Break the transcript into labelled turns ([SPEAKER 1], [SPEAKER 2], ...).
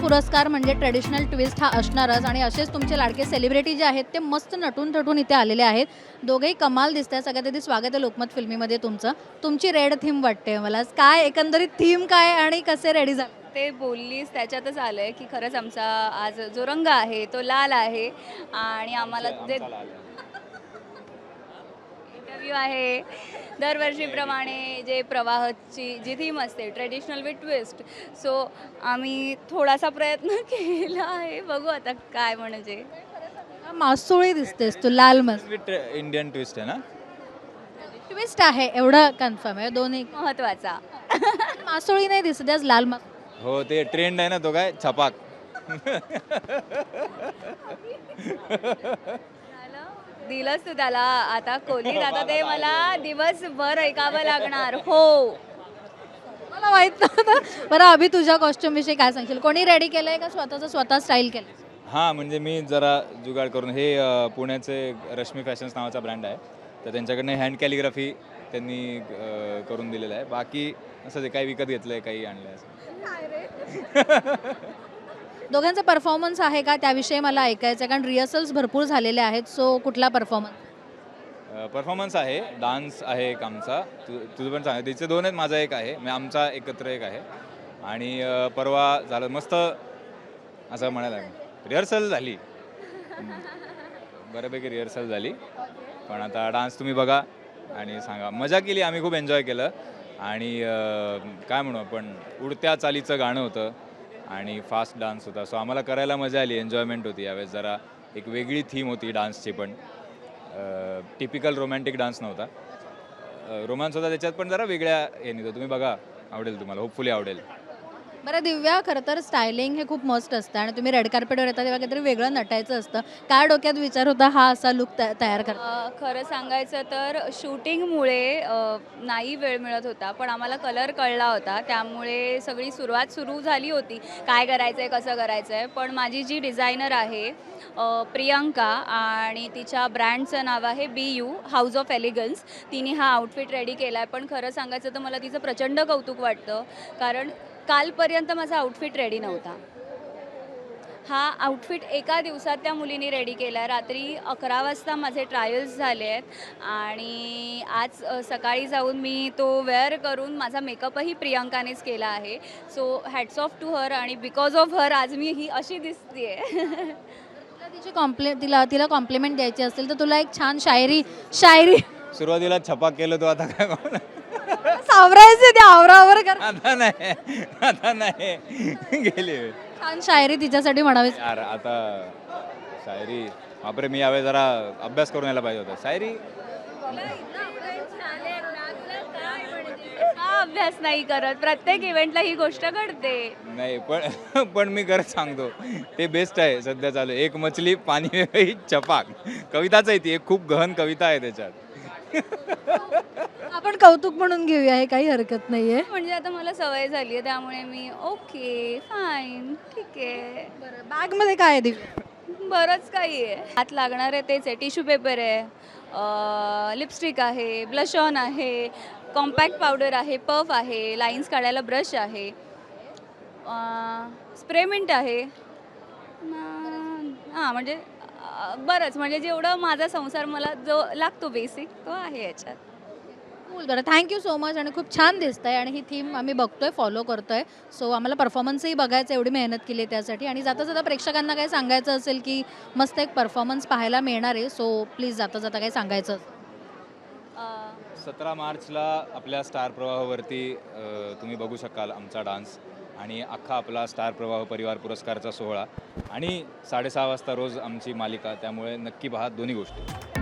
[SPEAKER 1] पुरस्कार म्हणजे traditional twist हा असणारच आणि असेच तुमचे लाडके सेलिब्रिटी जे आहेत ते मस्त नटून थटून इथे आलेले आहेत. दोघेही कमाल दिसत आहे. सगळ्यात आधी स्वागत आहे लोकमत फिल्मीमध्ये तुमचं. तुमची रेड थीम वाटते मला. काय एकंदरीत थीम काय आणि कसे रेडी झाले?
[SPEAKER 2] ते बोललीस त्याच्यातच आलंय की खरंच आमचा आज जो रंग आहे तो लाल आहे आणि आम्हाला जे इंटरव्ह्यू आहे दरवर्षीप्रमाणे जे प्रवाहाची जी थीम असते ट्रेडिशनल विथ ट्विस्ट. सो आम्ही थोडासा प्रयत्न केला आहे, बघू आता काय म्हणजे.
[SPEAKER 1] मासोळी दिसतेस तू लाल मस्त.
[SPEAKER 3] विथ इंडियन ट्विस्ट आहे ना.
[SPEAKER 1] ट्विस्ट आहे एवढं कन्फर्म आहे दोन्ही.
[SPEAKER 2] महत्त्वाचा.
[SPEAKER 1] मासोळी नाही दिसत आज लाल मास.
[SPEAKER 3] हो ते ट्रेंड आहे ना तो काय छपाक.
[SPEAKER 2] दिलंच तू त्याला आता खोलीत, आता ते मला दिवसभर ऐकावं लागणार. हो,
[SPEAKER 1] मला माहित नव्हतं. बरं अभि तुझ्या कॉस्ट्युम विषयी काय सांगशील? कोणी रेडी केलंय का स्वतः स्टाईल केलं?
[SPEAKER 3] हां म्हणजे मी जरा जुगाड करून हे पुण्याचे रश्मी फॅशन्स नावाचा ब्रँड आहे तर त्यांच्याकडनं हँड कॅलिग्राफी त्यांनी करून दिलेलं आहे. बाकी असं ते काही विकत घेतलं आहे काही आणलं आहे असं.
[SPEAKER 1] दोघांचा परफॉर्मन्स आहे का त्याविषयी मला ऐकायचं आहे कारण रिहर्सल्स भरपूर झालेले आहेत. सो कुठला परफॉर्मन्स?
[SPEAKER 3] परफॉर्मन्स आहे, डान्स आहे एक आमचा. तुझं पण सांग, तिचे दोन आहेत, माझा एक आहे, म्हणजे आमचा एकत्र एक आहे. आणि परवा झालं मस्त असं म्हणायला रिहर्सल झाली, बऱ्यापैकी रिहर्सल झाली. पण आता डान्स तुम्ही बघा आणि सांगा. मजा केली, आम्ही खूप एन्जॉय केलं. आणि काय म्हणू आपण, उडत्या चालीचं गाणं होतं आणि फास्ट डान्स होता. सो आम्हाला करायला मजा आली, एन्जॉयमेंट होती. यावेळेस जरा एक वेगळी थीम होती डान्सची पण. टिपिकल रोमॅन्टिक डान्स नव्हता, रोमांस होता त्याच्यात, पण जरा वेगळ्या हे नाही. तुम्ही बघा, आवडेल तुम्हाला, होपफुली आवडेल.
[SPEAKER 1] बरं दिव्या, खरं तर स्टायलिंग हे खूप मस्त असतं आणि तुम्ही रेड कार्पेटवर येता तेव्हा काहीतरी वेगळं नटायचं असतं. काय डोक्यात विचार होता हा असा लुक तयार करता?
[SPEAKER 2] खरं सांगायचं तर शूटिंगमुळे नाही वेळ मिळत होता, पण आम्हाला कलर कळला होता, त्यामुळे सगळी सुरुवात सुरू झाली होती काय करायचं आहे कसं करायचं आहे. पण माझी जी डिझायनर आहे प्रियंका, आणि तिच्या ब्रँडचं नाव आहे BU हाऊस ऑफ एलिगन्स, तिने हा आउटफिट रेडी केला आहे. पण खरं सांगायचं तर मला तिचं प्रचंड कौतुक वाटतं, कारण कालपर्यंत माझा आउटफिट रेडी नव्हता. हा आउटफिट एका दिवसात त्या मुलीने रेडी केला आहे. रात्री 11 वाजता माझे ट्रायल्स झाले आहेत आणि आज सकाळी जाऊन मी तो वेअर करून माझा मेकअपही प्रियंकानेच केला आहे. So hats off to her, आणि बिकॉज ऑफ हर आज मी ही अशी दिसते.
[SPEAKER 1] तिला कॉम्प्लिमेंट द्यायची असेल तर तुला एक छान शायरी
[SPEAKER 3] सुरुवातीला छपाक केलं तो, आता काय
[SPEAKER 1] सावरायचे ते आवरावर कर.
[SPEAKER 3] आता नाही गेली
[SPEAKER 1] छान शायरी तिच्यासाठी म्हणावी.
[SPEAKER 3] यार. आता शायरी बापरे, मी यावेळी जरा अभ्यास करून यायला पाहिजे होता. शायरी
[SPEAKER 2] का अभ्यास नाही करत? प्रत्येक इव्हेंटला ही गोष्ट घडते.
[SPEAKER 3] नाही, पण मी खरंच सांगतो ते बेस्ट आहे सध्या चालू. एक मछली पाणी में गई छपाक, कविताच आहे ती, एक खूप गहन कविता आहे त्याच्यात.
[SPEAKER 1] आपण कौतुक म्हणून घेऊया, हे काही हरकत नाहीये.
[SPEAKER 2] म्हणजे आता मला सवय झाली आहे, त्यामुळे मी ओके फाईन ठीक आहे.
[SPEAKER 1] बरं, बॅग मध्ये काय आहे दिव्या?
[SPEAKER 2] बरंच काही आहे. हात लागणार आहे तेच आहे, टिश्यू पेपर आहे, लिपस्टिक आहे, ब्लश ऑन आहे, कॉम्पॅक्ट पावडर आहे, पफ आहे, लाईन्स काढायला ब्रश आहे, स्प्रे मिंट आहे. हां म्हणजे बरंच, म्हणजे जेवढं माझा संसार मला जो लागतो बेसिक तो आहे याच्यात.
[SPEAKER 1] बरं, थँक्यू सो मच. आणि खूप छान दिसतंय आणि ही थीम आम्ही बघतोय, फॉलो करतोय. सो आम्हाला परफॉर्मन्सही बघायचं, एवढी मेहनत केली त्यासाठी. आणि जाता जाता प्रेक्षकांना काय सांगायचं असेल की मस्त एक परफॉर्मन्स पाहायला मिळणार आहे, सो प्लीज जाता जाता काय सांगायचं?
[SPEAKER 3] 17 मार्चला आपल्या स्टार प्रवाहावरती तुम्ही बघू शकाल आमचा डान्स आणि अख्खा आपला स्टार प्रवाह परिवार पुरस्कारचा सोहळा, आणि 6:30 वाजता रोज आमची मालिका. त्यामुळे नक्की पहा दोन्ही गोष्टी.